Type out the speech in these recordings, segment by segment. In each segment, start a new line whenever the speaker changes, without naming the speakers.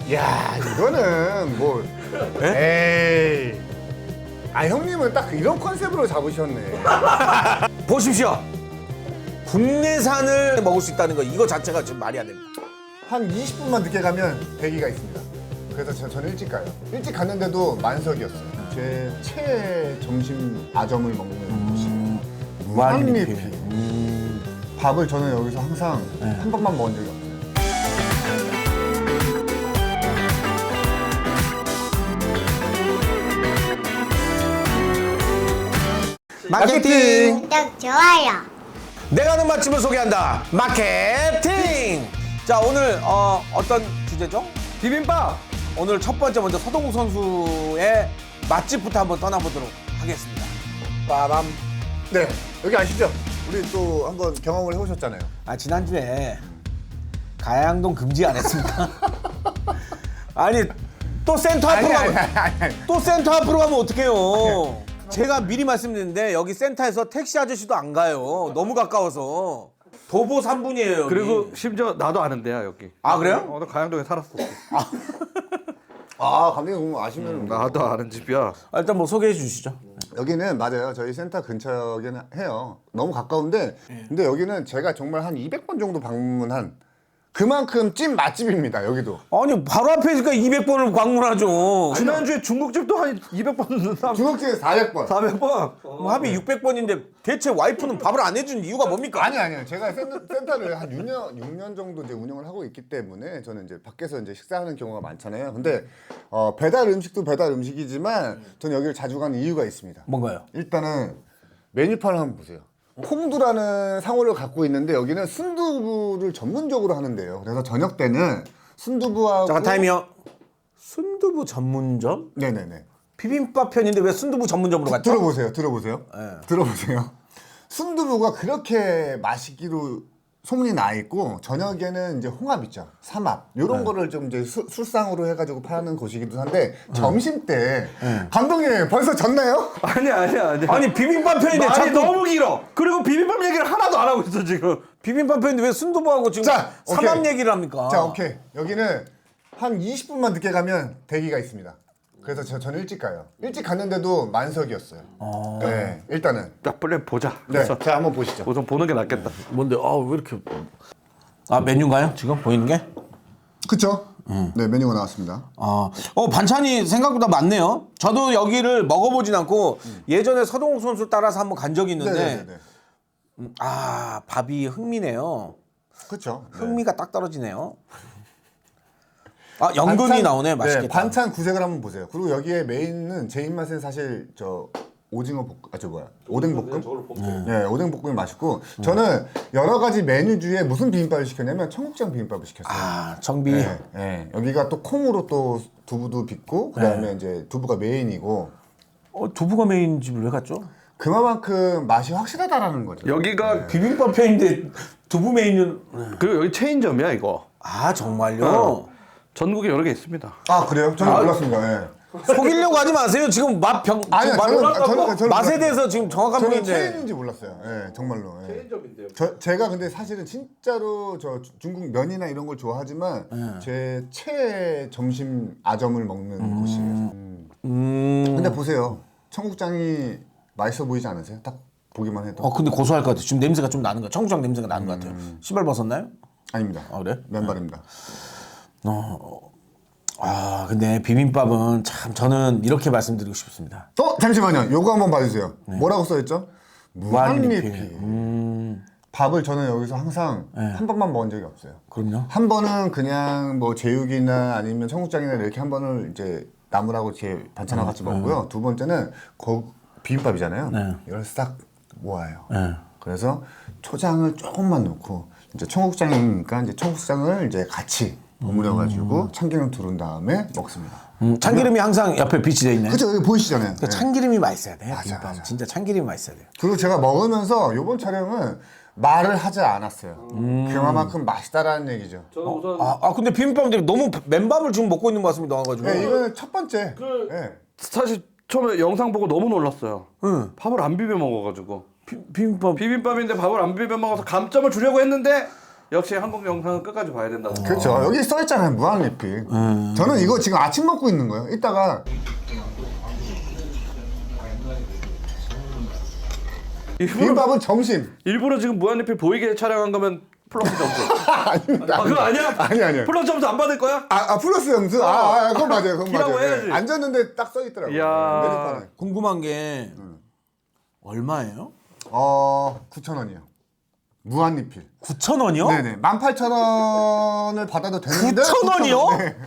야, 이거는 뭐 에이. 아, 형님은 딱 이런 컨셉으로 잡으셨네.
보십시오. 국내산을 먹을 수 있다는 거 이거 자체가 지금 말이 안 됩니다.
한 20분만 늦게 가면 대기가 있습니다. 그래서 저는 일찍 가요. 일찍 갔는데도 만석이었어요. 제 최애 점심 아점을 먹는 곳이 무한리필. 밥을 저는 여기서 항상 한 번만 먹은 적이 없어요.
마케팅!
구독, 좋아요.
내가 아는 맛집을 소개한다. 마케팅! 자, 오늘 어떤 주제죠?
비빔밥!
오늘 첫 번째 먼저 서동욱 선수의 맛집부터 한번 떠나보도록 하겠습니다. 빠밤.
네, 여기 아시죠? 우리 또 한번 경험을 해보셨잖아요.
아, 지난주에 가양동 금지 안 했습니까? 아니, 또 센터 앞으로 가면 또 센터 앞으로 가면 어떡해요? 제가 미리 말씀드렸는데 여기 센터에서 택시 아저씨도 안 가요. 너무 가까워서. 도보 3분이에요. 여기.
그리고 심지어 나도 아는 데야 여기.
아, 그래요?
나 가양동에 살았어.
아, 감독님 그럼 아시면
나도 아는 집이야.
아, 일단 뭐 소개해 주시죠.
여기는 맞아요. 저희 센터 근처긴 해요. 너무 가까운데 근데 여기는 제가 정말 한 200번 정도 방문한 그만큼 찐 맛집입니다. 여기도.
아니, 바로 앞에 있으니까 200번을 방문하죠.
지난주에 중국집도 한 200번,
중국집에 400번.
400번.
뭐 합이 600번인데 대체 와이프는 밥을 안 해준 이유가 뭡니까?
아니요. 제가 센터를 한 6년 정도 이제 운영을 하고 있기 때문에 저는 이제 밖에서 이제 식사하는 경우가 많잖아요. 근데 배달 음식도 배달 음식이지만 저는 여기를 자주 가는 이유가 있습니다.
뭔가요?
일단은 메뉴판을 한번 보세요. 콩두라는 상호를 갖고 있는데 여기는 순두부를 전문적으로 하는데요. 그래서 저녁 때는 순두부하고
잠깐 타임이요. 순두부 전문점?
네네네.
비빔밥 편인데 왜 순두부 전문점으로 갔죠?
들어보세요. 들어보세요. 순두부가 그렇게 맛있기로 소문이 나 있고 저녁에는 이제 홍합 있죠. 삼합 이런 거를 좀 이제 술상으로 해가지고 파는 곳이기도 한데 점심 때 감독님 벌써 졌나요?
아니야.
아니, 비빔밥 편인데
말이
자꾸
너무 길어. 그리고 비빔밥 얘기를 하나도 안 하고 있어 지금.
비빔밥 편인데 왜 순두부하고 지금
자,
삼합
오케이.
얘기를 합니까?
자, 오케이. 여기는 한 20분만 늦게 가면 대기가 있습니다. 그래서 저는 일찍 가요. 일찍 갔는데도 만석이었어요. 네, 일단은.
자, 빨리 보자.
네,
그래서
자 한번 보시죠.
우선 보는 게 낫겠다.
뭔데? 왜 이렇게 메뉴인가요? 지금 보이는 게?
그쵸? 네, 메뉴가 나왔습니다.
반찬이 생각보다 많네요. 저도 여기를 먹어보진 않고 예전에 서동욱 선수 따라서 한번 간 적이 있는데
네네네.
밥이 흥미네요.
그쵸? 네.
흥미가 딱 떨어지네요. 연근이 나오네. 맛있겠다.
네, 반찬 구색을 한번 보세요. 그리고 여기에 메인은 제 입맛은 사실 오뎅볶음? 네, 오뎅볶음이 맛있고 저는 여러 가지 메뉴 중에 무슨 비빔밥을 시켰냐면 청국장 비빔밥을 시켰어요.
정비.
네, 여기가 또 콩으로 또 두부도 빚고 그다음에 이제 두부가 메인이고
두부가 메인 집을 왜 갔죠?
그만큼 맛이 확실하다라는 거죠.
여기가
비빔밥 편인데 두부 메인은
그리고 여기 체인점이야 이거.
정말요?
전국에 여러 개 있습니다.
아, 그래요? 저는 몰랐습니다. 네.
속이려고 하지 마세요. 지금
아니요, 저는
맛에 대해서 지금 정확한
저는
분인데.
체인인지 몰랐어요. 네, 정말로. 네. 체인점인데요. 제가 근데 사실은 진짜로 저 중국 면이나 이런 걸 좋아하지만 제 최애 점심 아점을 먹는 곳이에요. 근데 보세요, 청국장이 맛있어 보이지 않으세요? 딱 보기만 해도.
근데 고소할 것 같아요. 지금 냄새가 좀 나는 거. 청국장 냄새가 나는 것 같아요. 신발 벗었나요?
아닙니다.
그래?
맨발입니다.
근데 비빔밥은 참 저는 이렇게 말씀드리고 싶습니다.
잠시만요. 요거 한번 봐주세요. 뭐라고 써있죠?
무한리필.
무한리필. 밥을 저는 여기서 항상 한 번만 먹은 적이 없어요.
그럼요.
한 번은 그냥 뭐 제육이나 아니면 청국장이나 이렇게 한 번을 이제 나물하고 제 반찬하고 같이 먹고요. 두 번째는 비빔밥이잖아요. 이걸 싹 모아요. 그래서 초장을 조금만 넣고 이제 청국장이니까 이제 청국장을 이제 같이 버무려가지고 참기름 두른 다음에 먹습니다.
참기름이 항상 옆에 비치되어 있네.
그렇죠, 여기 보이시잖아요.
그러니까 참기름이 맛있어야 돼.
맞아,
비빔밥은
맞아.
진짜 참기름이 맛있어야 돼요.
그리고 제가 먹으면서 이번 촬영은 말을 하지 않았어요. 그만큼 맛있다라는 얘기죠.
저는 우선
근데 비빔밥은 너무 맨밥을 지금 먹고 있는 것 같습니다. 나와가지고.
네, 이거는 첫 번째. 네.
사실 처음에 영상 보고 너무 놀랐어요. 밥을 안 비벼 먹어가지고.
비빔밥.
비빔밥인데 밥을 안 비벼 먹어서 감점을 주려고 했는데 역시 한국 영상은 끝까지 봐야 된다고.
그렇죠. 여기 써 있잖아요. 무한 리필. 저는 이거 지금 아침 먹고 있는 거예요. 이따가 비빔밥은 점심.
일부러 지금 무한리필 보이게 촬영한 거면 플러스 점수.
아닙니다.
아, 그거 아니야?
아니요.
플러스 점수 안 받을 거야?
플러스 점수? 그건 맞아요. 그건
키라고
맞아요.
해야지.
앉았는데 딱 써 있더라고요.
이야.
메뉴판에.
궁금한 게 얼마예요?
9,000원이요. 무한 리필.
9,000원이요?
네네. 18,000원을 받아도 되는데
9,000원이요?
네.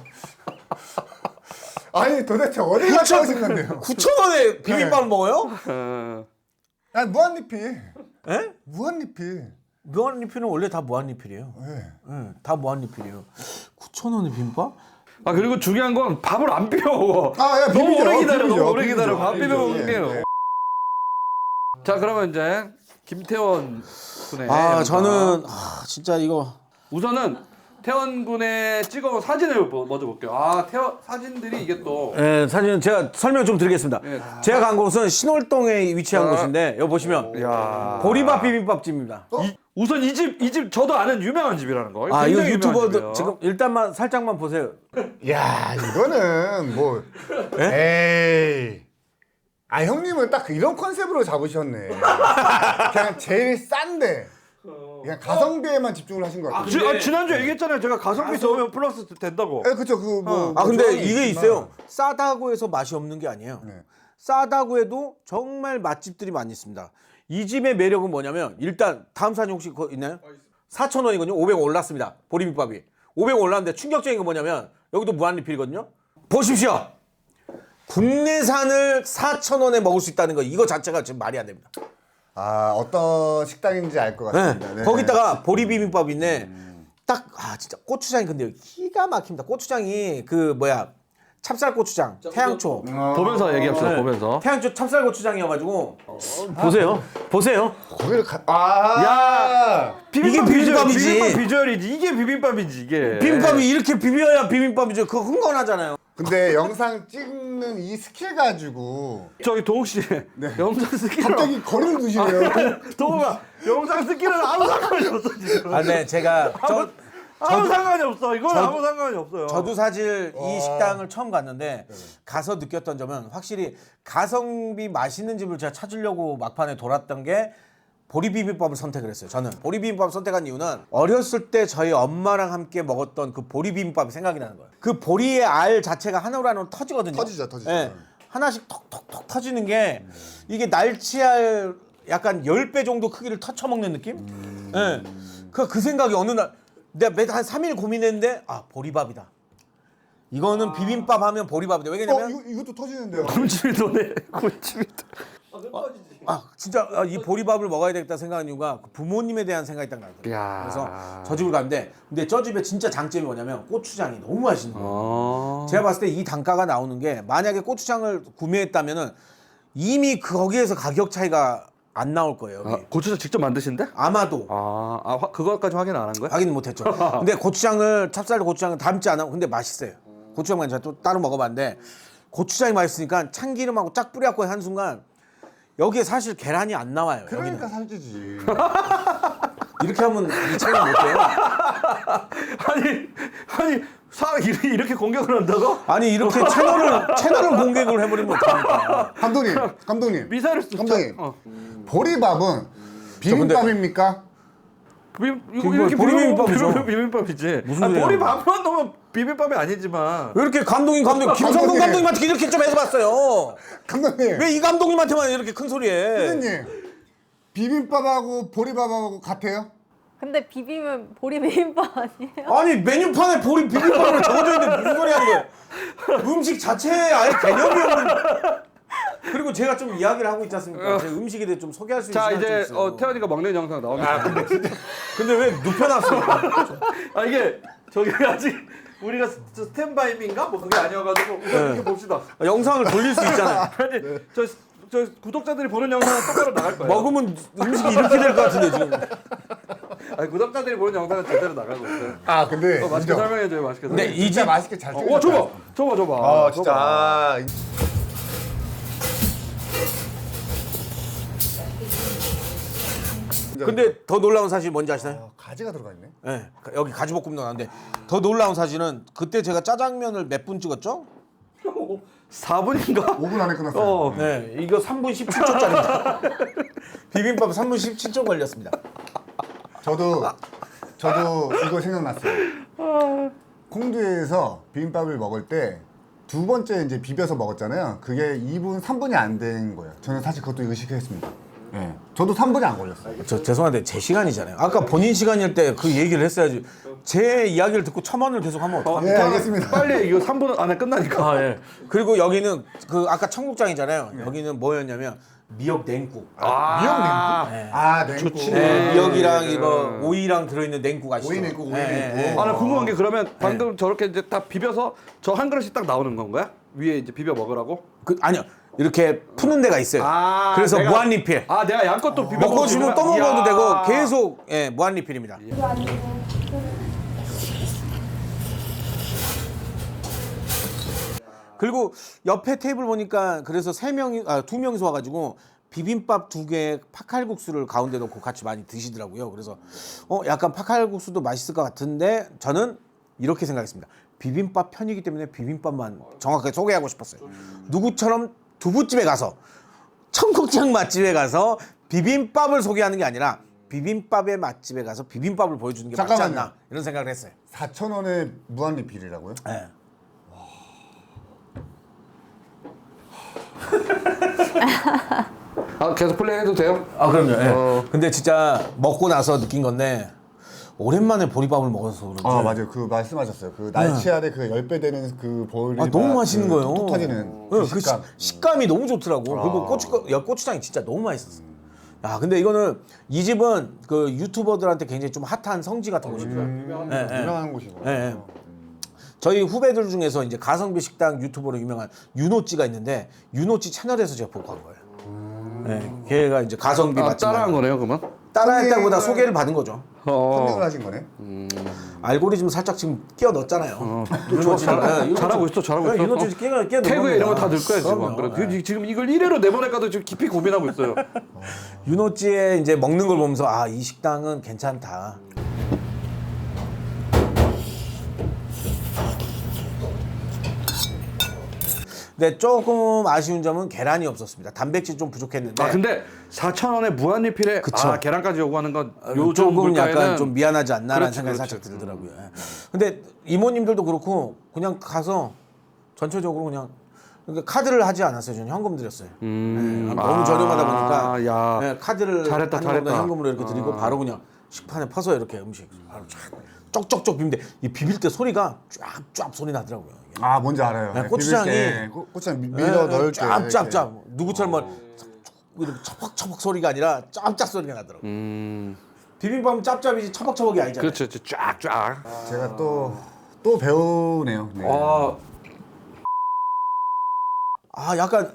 아니 도대체 어디 갔다 오신 건데요?
9,000원에 비빔밥 먹어요?
아니 무한 리필.
예?
무한 리필.
무한리필은 원래 다 무한리필이에요.
네.
예, 다 무한리필이에요. 9,000원에 비빔밥?
아 그리고 중요한 건 밥을 안 비벼 먹어.
야,
너무
비비죠.
오래 기다려.
비비죠.
너무 오래 기다려.
비비죠.
밥 비벼
비비죠.
먹을게요.
예.
자 그러면 이제 김태원 군의
저는 진짜 이거
우선은 태원 군의 찍어온 사진을 먼저 볼게요. 사진들이 이게 또
예, 사진은 제가 설명 좀 드리겠습니다.
예.
제가 간 곳은 신월동에 위치한 곳인데 여기 보시면
야.
보리밥 비빔밥집입니다.
우선 이 집 저도 아는 유명한 집이라는 거.
이거
굉장히 유명한
유튜버들
집이에요.
지금 일단만 살짝만 보세요.
야 이거는 뭐 에이. 형님은 딱 이런 컨셉으로 잡으셨네. 그냥 제일 싼데 그냥 가성비에만 집중을 하신 것 같아요.
지난주에 얘기했잖아요. 제가 가성비 좋으면 플러스 된다고.
그쵸 뭐
근데
조항이
이게
있지만.
있어요. 싸다고 해서 맛이 없는 게 아니에요.
네.
싸다고 해도 정말 맛집들이 많이 있습니다. 이 집의 매력은 뭐냐면 일단 다음 사진 혹시 있나요? 4,000원이거든요. 500원 올랐습니다. 보리비빔밥이 500원 올랐는데 충격적인 건 뭐냐면 여기도 무한리필이거든요. 보십시오. 국내산을 4,000원에 먹을 수 있다는 거 이거 자체가 지금 말이 안 됩니다.
어떤 식당인지 알 것 같습니다. 네.
거기다가 보리비빔밥인데 딱 진짜 고추장이 근데 기가 막힙니다. 고추장이 찹쌀 고추장, 태양초.
보면서 얘기합시다. 보면서.
태양초 찹쌀 고추장이어가지고 보세요.
거기를
이게 비빔밥이지.
비빔밥 비주얼이지. 이게 비빔밥이지 이게.
비빔밥이 이렇게 비벼야 비빔밥이죠. 그거 흥건하잖아요.
근데 영상 찍는 이 스킬 가지고
저기 동욱 씨 영상 스킬은
갑자기 거리를 두시네요.
동욱아 영상 스킬은 아무 상관이 없어 지금.
네, 제가
아무 상관이 없어. 이건 아무 상관이 없어요.
저도 사실 이 식당을 처음 갔는데 가서 느꼈던 점은 확실히 가성비 맛있는 집을 제가 찾으려고 막판에 돌았던 게 보리비빔밥을 선택을 했어요. 저는 보리비빔밥을 선택한 이유는 어렸을 때 저희 엄마랑 함께 먹었던 그 보리비빔밥이 생각이 나는 거예요. 그 보리의 알 자체가 하나로 터지거든요.
터지죠.
네. 하나씩 톡톡톡 터지는 게 이게 날치알 약간 10배 정도 크기를 터쳐먹는 느낌? 네. 그 생각이 어느 날 내가 한 3일 고민했는데 보리밥이다. 이거는 비빔밥 하면 보리밥이다. 왜냐면
이것도 터지는데요.
군침이 도네. 군침이
진짜 이 보리밥을 먹어야 되겠다 생각한 이유가 부모님에 대한 생각이 딱 나더라고요.
야.
그래서 저 집을 갔는데 근데 저 집의 진짜 장점이 뭐냐면 고추장이 너무 맛있는 거예요. 제가 봤을 때 이 단가가 나오는 게 만약에 고추장을 구매했다면은 이미 거기에서 가격 차이가 안 나올 거예요. 여기.
고추장 직접 만드신데?
아마도
그거까지 확인 안 한 거야?
확인 못했죠. 근데 찹쌀 고추장을 담지 않아. 근데 맛있어요. 고추장만 제가 또 따로 먹어봤는데 고추장이 맛있으니까 참기름하고 쫙 뿌려갖고 한 순간 여기에 사실 계란이 안 나와요.
그러니까
여기는.
살찌지.
이렇게 하면 이 차이가 못 돼요.
아니 이렇게 공격을 한다고?
아니 이렇게 채널을 공격을 해버리면 어떡합니까?
감독님.
미사를 쏘.
감독님. 보리밥은 비빔밥입니까?
이렇게
보리비빔밥이죠.
비빔밥이지.
무슨 소리야.
보리밥만 넣으면 비빔밥이 아니지만.
왜 이렇게 김성동
감독님.
감독님한테 이렇게 좀 해봤어요.
감독님.
왜 이 감독님한테만 이렇게 큰 소리해?
선생님. 비빔밥하고 보리밥하고 같아요?
근데 비빔은 보리비빔밥 아니에요?
아니 메뉴판에 비빔밥으로 적어져 있는데 무슨 소리 하는 거예요? 음식 자체에 아예 개념이 없는. 그리고 제가 좀 이야기를 하고 있지 않습니까? 제 음식에 대해 좀 소개할 수 있는
자
시간이
이제
좀 있어요.
태연이가 먹는 영상 나옵니다.
근데 왜 눕혀놨습니까?
이게 저기 아직 우리가 스탠바이인가 뭐 그게 아니어가지고 우선 이렇게 봅시다.
영상을 돌릴 수 있잖아요.
아니 저 구독자들이 보는 영상은 똑바로 나갈 거예요.
먹으면 음식이 이렇게 될 것 같은데 지금.
아니 구독자들이 보는 영상은 제대로 나가고 있어요.
근데
맛있게 설명해줘요. 맛있게.
근데
설명해.
진짜 맛있게 잘 찍었어요.
와 줘봐.
진짜.
근데 더 놀라운 사실이 뭔지 아시나요?
가지가 들어가 있네.
네, 여기 가지볶음도 나왔는데 더 놀라운 사진은 그때 제가 짜장면을 몇 분 찍었죠?
4분인가?
5분 안에 끝났어요.
네, 이거 3분 17초짜리입니다. 비빔밥 3분 17초 걸렸습니다.
저도 이거 생각났어요. 콩두에서 비빔밥을 먹을 때 두 번째 이제 비벼서 먹었잖아요. 그게 2분, 3분이 안 된 거예요. 저는 사실 그것도 의식했습니다. 네. 저도 3분이 안 걸렸어요.
저 죄송한데 제 시간이잖아요. 아까 본인 시간일 때 그 얘기를 했어야지. 제 이야기를 듣고 첨언을 계속 하면 어떡합니까?
예, 알겠습니다.
빨리 이거 3분 안에 끝나니까.
아, 예. 그리고 여기는 그 아까 청국장이잖아요. 여기는 뭐였냐면 미역 냉국.
미역 냉국?
네.
아, 냉국.
좋지.
네, 미역이랑 이거 오이랑 들어있는 냉국 아시죠?
오이 냉국, 오이
예,
냉국.
예, 예.
아, 나 궁금한 게 그러면 방금 저렇게 이제 딱 비벼서 저 한 그릇이 딱 나오는 건가요? 위에 이제 비벼 먹으라고?
아니요. 이렇게 푸는 데가 있어요.
아,
그래서
내가-
무한 리필.
아, 내가 양껏 또 비벼
먹고 싶으면 또
이야.
먹어도 되고 계속 예, 무한 리필입니다. 그리고 옆에 테이블 보니까 그래서 두 명이서 와가지고 비빔밥 2개에 팥칼국수를 가운데 놓고 같이 많이 드시더라고요. 그래서 약간 팥칼국수도 맛있을 것 같은데 저는 이렇게 생각했습니다. 비빔밥 편이기 때문에 비빔밥만 정확하게 소개하고 싶었어요. 누구처럼 두부집에 가서 청국장 맛집에 가서 비빔밥을 소개하는 게 아니라 비빔밥의 맛집에 가서 비빔밥을 보여주는 게 맞지
잠깐만요.
않나 이런 생각을 했어요.
4,000원에 무한 리필이라고요?
네.
아, 계속 플레이해도 돼요?
아 그럼요. 예. 근데 진짜 먹고 나서 느낀 건데 오랜만에 보리밥을 먹어서 그런지
아, 맞아요. 그 말씀하셨어요. 그 날치알의 그 10배 되는 그 보리밥.
너무 맛있는 거예요.
톡 터지는
네,
그
그
식감.
식감이 너무 좋더라고. 그리고 고추장이 진짜 너무 맛있었어. 야, 근데 이거는 이 집은 그 유튜버들한테 굉장히 좀 핫한 성지 같은 곳이고요. 예, 예.
유명한 곳이고.
예, 예. 저희 후배들 중에서 이제 가성비 식당 유튜버로 유명한 윤호찌가 있는데 윤호찌 채널에서 제가 보고 간 거예요. 예, 걔가 이제 가성비 맛집
따라한 거네요, 그러면?
따라했다기보다 소개를 받은 거죠.
선택을 하신 거네.
알고리즘 살짝 지금 끼워 넣었잖아요. 윤호찌
잘하고 있어, 잘하고 있어.
윤호찌 끼워 넣은
태그에 이런 거 다 넣을 거야, 지금.
그럼요.
그래. 지금 이걸 1회로 내보낼까도 지금 깊이 고민하고 있어요.
윤호찌의 이제 먹는 걸 보면서 아, 이 식당은 괜찮다. 근데 조금 아쉬운 점은 계란이 없었습니다. 단백질 좀 부족했는데.
아, 근데 4,000원에 무한 리필에
그쵸.
계란까지 요구하는 건 요즘
조금 약간
물가에는
좀 미안하지 않나라는
그렇지,
생각이
그렇지.
살짝 들더라고요. 예. 근데 이모님들도 그렇고 그냥 가서 전체적으로 그냥 그러니까 카드를 하지 않았어요. 저는 현금 드렸어요. 예, 너무 저렴하다 보니까
야.
예, 카드를
잘했다,
하는 것보다
잘했다.
현금으로 이렇게 드리고 바로 그냥 식판에 퍼서 이렇게 음식 바로 쫙 쩍쩍쩍 비비는데 이 비빌 때 소리가 쫙쫙 소리 나더라고요. 이게.
아, 뭔지 알아요.
네,
네,
고추장이-
비빌 때 고추장 밀어 넣을 때
짭짭짭 누구처럼 뭐 이렇게 처벅처벅 소리가 아니라 짭짭 소리가 나더라고요. 비빔밥은 짭짭이지 처벅처벅이 아니잖아요.
그렇죠, 쫙쫙.
이렇게. 제가 또 배우네요. 네.
약간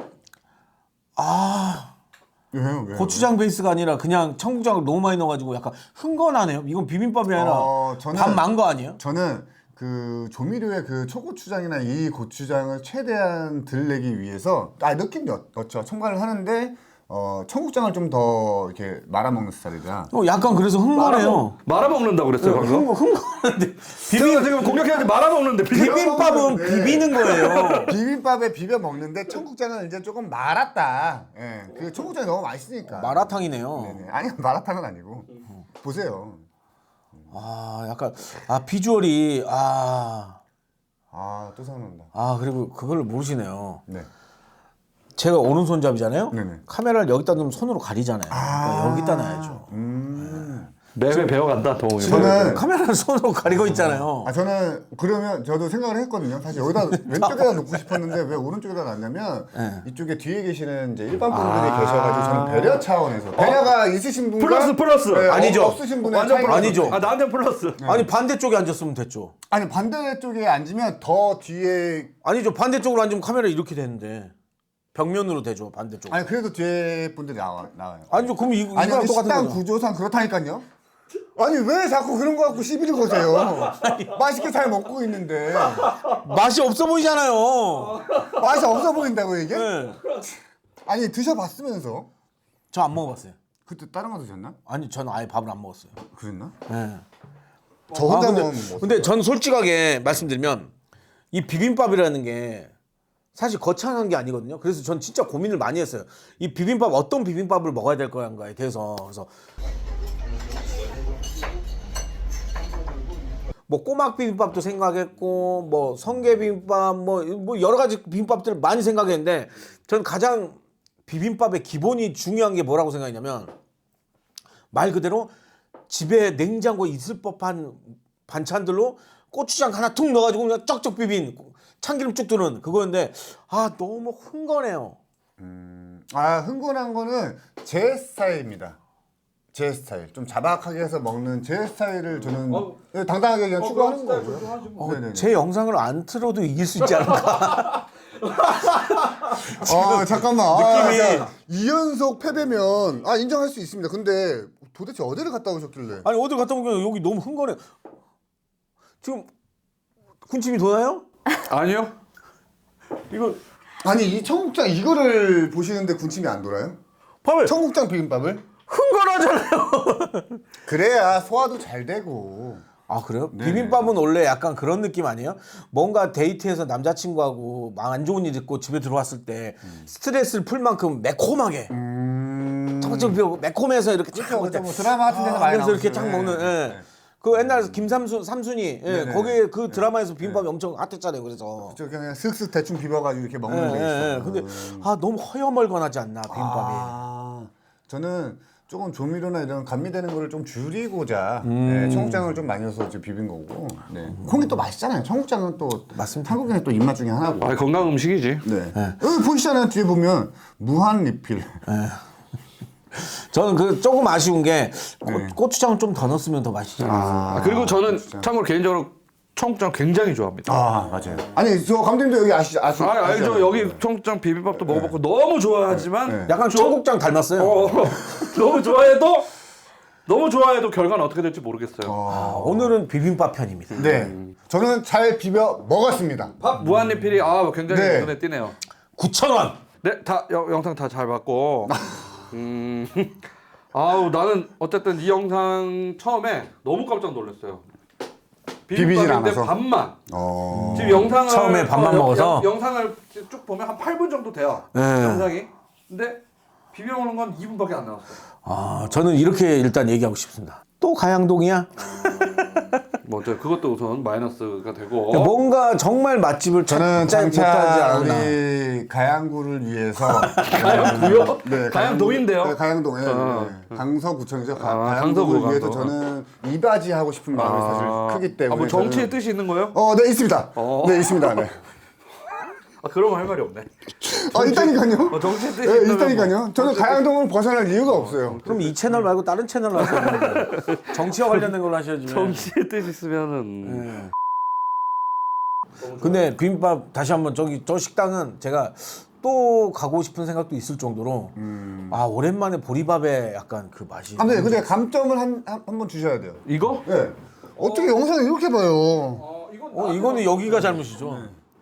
왜요?
고추장 베이스가 아니라 그냥 청국장을 너무 많이 넣어가지고 약간 흥건하네요. 이건 비빔밥이 아니라
저는-
밥 만 거 아니에요?
저는 그 조미료의 그 초고추장이나 이 고추장을 최대한 덜 내기 위해서 넣긴 넣죠. 첨가를 하는데 청국장을 좀 더 이렇게 말아먹는 스타일이라.
약간 그래서 흥건해요.
말아먹는다고 그랬어요, 방금?
흥건한데
제가 지금 공격해야지 말아먹는데
비빔밥은
네.
비비는 거예요.
비빔밥에 비벼 먹는데 청국장은 이제 조금 말았다. 예, 그 청국장이 너무 맛있으니까.
마라탕이네요.
네네. 아니 마라탕은 아니고. 보세요.
약간 비주얼이
또 생각난다.
그리고 그걸 모르시네요.
네.
제가 오른손잡이잖아요.
네네.
카메라를 여기다 놓으면 손으로 가리잖아요. 그러니까 여기다 놔야죠.
매매 배워간다, 도움이.
저는
카메라를 손으로 가리고 있잖아요.
저는 그러면 저도 생각을 했거든요. 사실 여기다 왼쪽에다 놓고 싶었는데 왜 오른쪽에다 놨냐면 이쪽에 뒤에 계시는 이제 일반 분들이 계셔가지고 저는 배려 차원에서 배려가 있으신 분과
플러스.
네,
아니죠.
없으신 분의
완전
차이가
플러스.
아니죠.
나한테 플러스.
아니 반대쪽에 앉았으면 됐죠.
아니 반대쪽에 앉으면 더 뒤에
아니죠. 반대쪽으로 앉으면 카메라 이렇게 되는데 벽면으로 되죠. 반대쪽.
아니 그래도 뒤에 분들이 나와요.
아니죠. 그럼
아니
이거랑
근데
똑같은
식당
거죠.
구조상 그렇다니까요. 아니 왜 자꾸 그런 거 갖고 시비를 거세요? 맛있게 잘 먹고 있는데
맛이 없어 보이잖아요.
맛이 없어 보인다고 이게?
네.
아니 드셔봤으면서
저 안 먹어봤어요.
그때 다른 거 드셨나?
아니 전 아예 밥을 안 먹었어요.
그랬나?
네.
저 혼자
근데,
먹으면 뭐.
근데 전 솔직하게 말씀드리면 이 비빔밥이라는 게 사실 거창한 게 아니거든요. 그래서 전 진짜 고민을 많이 했어요. 이 비빔밥 어떤 비빔밥을 먹어야 될 거야에 대해서. 그래서 뭐 꼬막 비빔밥도 생각했고 뭐 성게 비빔밥 뭐 여러 가지 비빔밥들을 많이 생각했는데 전 가장 비빔밥의 기본이 중요한 게 뭐라고 생각했냐면 말 그대로 집에 냉장고에 있을 법한 반찬들로 고추장 하나 툭 넣어가지고 그냥 쩍쩍 비빈 참기름 쭉 두는 그거였는데 너무 흥건해요.
흥건한 거는 제 스타일입니다. 제 스타일. 좀 자박하게 해서 먹는 제 스타일을 저는 당당하게 그냥 추구하는 거고요. 네네네.
제 영상을 안 틀어도 이길 수 있지 않을까?
잠깐만.
느낌이-
2연속 패배면 인정할 수 있습니다. 근데 도대체 어디를 갔다 오셨길래?
아니 어디 갔다 오면 여기 너무 흥건해. 지금 군침이 도나요?
아니요.
이거
아니 이 청국장 이거를 보시는데 군침이 안 돌아요?
밥을
청국장 비빔밥을?
흥건하잖아요.
그래야 소화도 잘 되고.
아 그래요?
네.
비빔밥은 원래 약간 그런 느낌 아니에요? 뭔가 데이트해서 남자친구하고 막 안 좋은 일 있고 집에 들어왔을 때 스트레스를 풀 만큼 매콤하게 청국장 매콤해서 이렇게 쫙 먹을 때
뭐 드라마 같은 데서 많이
그래서 이렇게
나오죠.
쫙 먹는
네.
예. 그 옛날 삼순이
네네.
거기에 그 드라마에서 비빔밥이 엄청 핫했잖아요. 그래서
저 그냥 슥슥 대충 비벼가지고 이렇게 먹는 게 있어요.
근데 너무 허여멀건하지 않나 비빔밥이.
저는 조금 조미료나 이런 감미되는 거를 좀 줄이고자 청국장을 좀 많이 넣어서 이제 비빈 거고. 네. 콩이 또 맛있잖아요. 청국장은 또
맞습니다.
한국인의 또 입맛 중에 하나고.
건강 음식이지.
네. 여기 보시잖아요. 뒤에 보면 무한 리필.
저는 그 조금 아쉬운 게 고추장을 좀 더 넣었으면 더 맛있지 않았어요.
그리고 저는 참고로 개인적으로 청국장 굉장히 좋아합니다.
맞아요. 아니 저 감독님도 여기 아시죠?
알죠. 여기 청국장 비빔밥도 먹어봤고 너무 좋아하지만
약간 청국장 닮았어요.
너무 좋아해도 결과는 어떻게 될지 모르겠어요.
오늘은 비빔밥 편입니다.
네. 저는 잘 비벼 먹었습니다.
밥 무한리필이 굉장히
네.
눈에 띄네요.
9,000원.
네, 다 영상 다 잘 봤고. 나는 어쨌든 이 영상 처음에 너무 깜짝 놀랐어요.
비비진
비빔밥인데
않아서.
밥만. 지금 영상을
처음에 밥만 먹어서?
영상을 쭉 보면 한 8분 정도 돼요.
네.
영상이. 근데 비벼 먹는 건 2분밖에 안 나왔어요.
저는 이렇게 일단 얘기하고 싶습니다. 또 가양동이야?
뭐 그것도 우선 마이너스가 되고.
뭔가 정말 맛집을
저는
찾지 못하지
장차
않나.
우리 가양구를 위해서
가양구요?
네,
가양동인데요?
네, 가양동에 강서구청이죠.
강서구,
가양구를 위해서
강서.
저는 이바지 하고 싶은 마음이 사실 크기 때문에.
뭐 정치의
저는-
뜻이 있는 거예요?
네 있습니다. 네 있습니다. 네.
그러면 할 말이 없네.
있다니까요.
정치의 뜻이
네,
있다면
있다니까요.
뭐.
저는 가양동을 벗어날 이유가 없어요.
그럼 이 채널 말고 다른 채널로 하세요. 정치와 관련된 걸로 하셔야지.
정치의 뜻이 있으면은.
근데 비빔밥 다시 한번 저 식당은 제가 또 가고 싶은 생각도 있을 정도로 오랜만에 보리밥에 약간 그 맛이.
근데 감점을 한번 주셔야 돼요.
이거?
네. 어떻게 영상을 이렇게 봐요?
이거는 여기가 잘못이죠.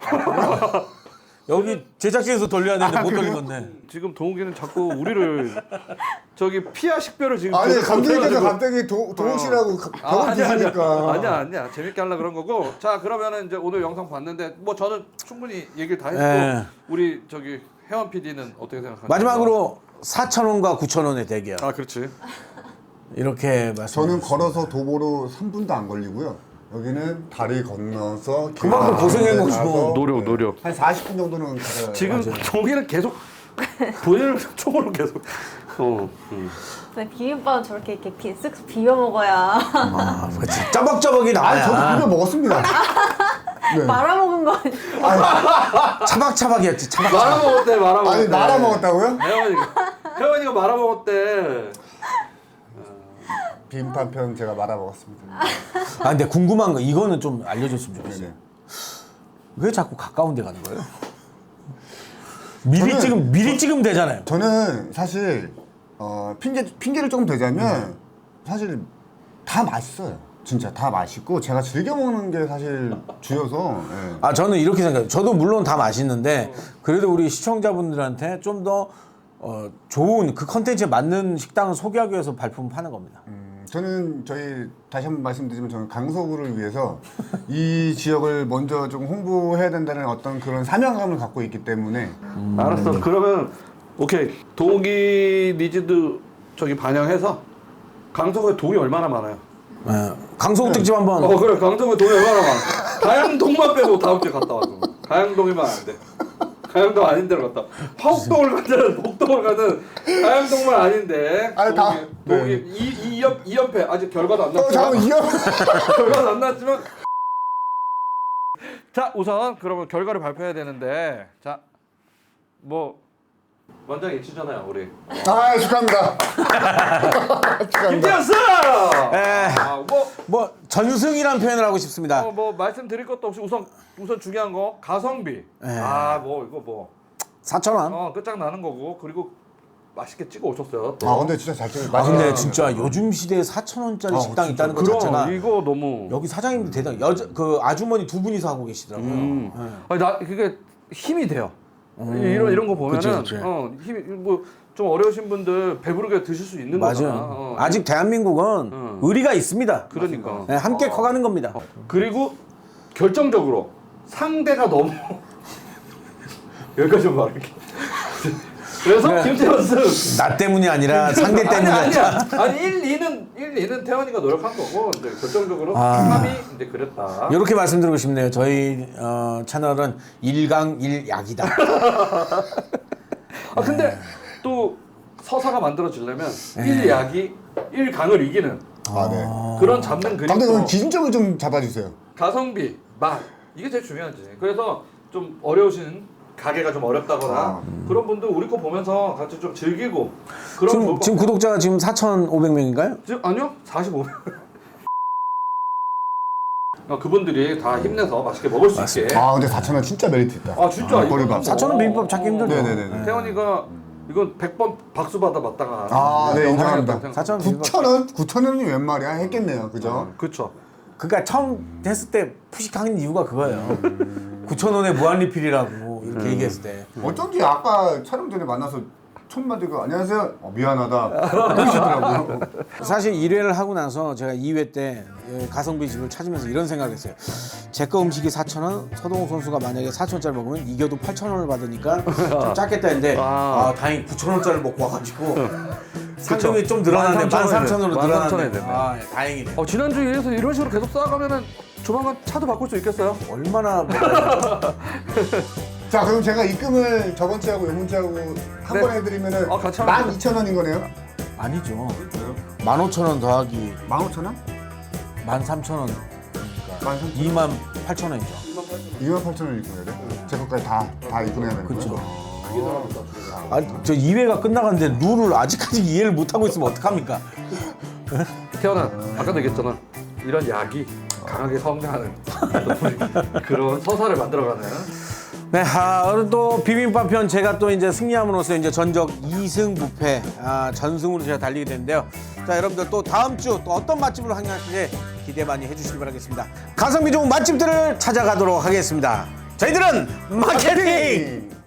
여기 제작진에서 돌려야 되는데 못 돌린 건데.
지금 동욱이는 자꾸 우리를 피아 식별을 지금.
아니
계속
감독님께서
못해가지고.
갑자기 동욱 씨라고 벽을
아니야.
부수니까.
아니야. 재밌게 하려 그런 거고. 자, 그러면은 이제 오늘 영상 봤는데 뭐 저는 충분히 얘기를 다 했고
네.
우리 혜원 PD는 어떻게 생각하세요?
마지막으로 4,000원과 9,000원의 대결.
그렇지.
이렇게 말씀.
저는 걸어서 도보로 3분도 안 걸리고요. 여기는 다리 건너서
그만큼 고생한 거죠.
가서
노력.
한 40분 정도는 가요.
지금 동욱이는 계속 본인을 총으로 계속.
근데 비빔밥은 저렇게 이렇게 쓱 비벼 먹어야
그렇지. 짜박짜박이 나와야.
저도 비벼 먹었습니다. 네.
말아먹은 거 아니야?
차박차박이었지. 차박차박.
말아먹었대.
아니 말아 먹었다고요?
혜원이가 말아먹었대.
비빔밥 편 제가 말아 먹었습니다.
근데 궁금한 거 이거는 좀 알려줬으면 좋겠어요.
네네.
왜 자꾸 가까운 데 가는 거예요?
저는-
미리 찍으면 되잖아요.
저는 사실 핑계를 조금 대자면 사실 다 맛있어요. 진짜 다 맛있고 제가 즐겨 먹는 게 사실 주여서. 예.
저는 이렇게 생각해요. 저도 물론 다 맛있는데 그래도 우리 시청자분들한테 좀 더 좋은 그 컨텐츠에 맞는 식당을 소개하기 위해서 발품을 파는 겁니다.
저는 저희 다시 한번 말씀드리지만 저는 강서구를 위해서 이 지역을 먼저 좀 홍보해야 된다는 어떤 그런 사명감을 갖고 있기 때문에
알았어. 그러면 오케이. 동이 니즈도 저기 반영해서 강서구에 동이 얼마나 많아요?
강서구 특집 한번.
그래. 강서구에 동이 얼마나 많아. 가양동만 빼고 다음 주에 갔다 와서. 가양동이면 안 돼. 가양동 아닌 데로 갔다. 화곡동을 가든 목동을 가든 가양동만 아닌데.
아니, 다-
동이
네.
2연패 아직 결과도 안 났지만.
잠깐만 이어
결과는 안 났지만. 자, 우선 그러면 결과를 발표해야 되는데, 자, 뭐 원장 일치잖아요, 우리.
아 축하합니다. 축하합니다.
김태현스!
에.
뭐,
뭐 전승이라는 표현을 하고 싶습니다.
뭐 말씀드릴 것도 없이 우선 중요한 거 가성비. 뭐 이거 뭐
4,000원.
끝장 나는 거고 그리고 맛있게 찍어 오셨어요. 또.
아 근데 진짜 잘 찍었다.
근데 진짜 요즘 시대에 4,000원짜리 식당 이 있다는 것
그럼
자체가
이거 너무.
여기 사장님도 대단. 그 아주머니 두 분이서 하고 계시더라고요.
아니, 나 그게 힘이 돼요. 이런 거 보면은
그치.
힘이 뭐 좀 어려우신 분들 배부르게 드실 수 있는 거잖아.
맞아요. 아직 대한민국은 의리가 있습니다.
그러니까.
네, 함께 커가는 겁니다.
그리고 결정적으로 상대가 너무 여기까지 말할게. 그래서
그래.
김태현스
나 때문이 아니라 상대 때문이
아니야. 아니 1, 2는 태원이가 노력한 거고 이제 결정적으로 3이 이제 그랬다.
이렇게 말씀드리고 싶네요. 저희 채널은 1강 1약이다.
근데 또 서사가 만들어지려면 1약이 1강을 이기는
아 네.
그런 잡는
감독님 그럼
그림도
기준점을 좀 잡아주세요.
가성비, 맛 이게 제일 중요하지. 그래서 좀 어려우신 가게가 좀 어렵다거나 그런 분들 우리 거 보면서 같이 좀 즐기고 그런
지금 구독자가 지금 4,500명인가요?
아니요 45명. 그분들이 다 힘내서 맛있게 먹을 수 있게.
아 근데 4,000원 진짜 메리트 있다.
아 진짜
머리밥.
4,000원 비빔밥 찾기 힘들죠.
네네네.
태원이가 이건 100번 박수 받아봤다가
아, 네, 인정합니다.
4,000원 비빔밥.
9,000원? 9,000원이 웬 말이야? 했겠네요. 그죠?
그쵸.
그러니까 처음 했을 때 푸식하는 이유가 그거예요. 9,000원에 무한리필이라고 이렇게 얘기했을 때.
어쩐지 아까 촬영 전에 만나서 첫 마디가 안녕하세요. 미안하다. 그러시더라고요.
사실 1회를 하고 나서 제가 2회 때 가성비 집을 찾으면서 이런 생각을 했어요. 제 거 음식이 4,000원, 서동욱 선수가 만약에 4,000원짜리 먹으면 이겨도 8,000원을 받으니까 좀 작겠다 했는데 다행히 9,000원짜리 먹고 와가지고 상금이 좀 늘어났네. 13,000원으로 늘어났네. 네, 다행이네.
지난주에서 이런 식으로 계속 쌓아가면은 조만간 차도 바꿀 수 있겠어요?
얼마나 먹어야
자, 그럼 제가 입금을 저번 주하고 요번 주하고 한
네.
번 해드리면은
같이 하면
12,000원인 거네요?
아니죠. 15,000원 더하기
15,000원?
13,000원.
13,000원?
28,000원이죠.
28,000원 입금해야 돼? 제 것까지 다 입금해야 되는 거죠?
그렇죠. 저 2회가 끝나갔는데 룰을 아직까지 이해를 못하고 있으면 어떡합니까?
태연아, 아까도 얘기했잖아. 이런 약이 강하게 성장하는 그런 서사를 만들어가는.
네, 오늘 또 비빔밥 편 제가 또 이제 승리함으로써 이제 전적 2승 무패, 전승으로 제가 달리게 됐는데요. 자, 여러분들 또 다음 주 또 어떤 맛집으로 항해하실지 기대 많이 해주시기 바라겠습니다. 가성비 좋은 맛집들을 찾아가도록 하겠습니다. 저희들은 마케팅!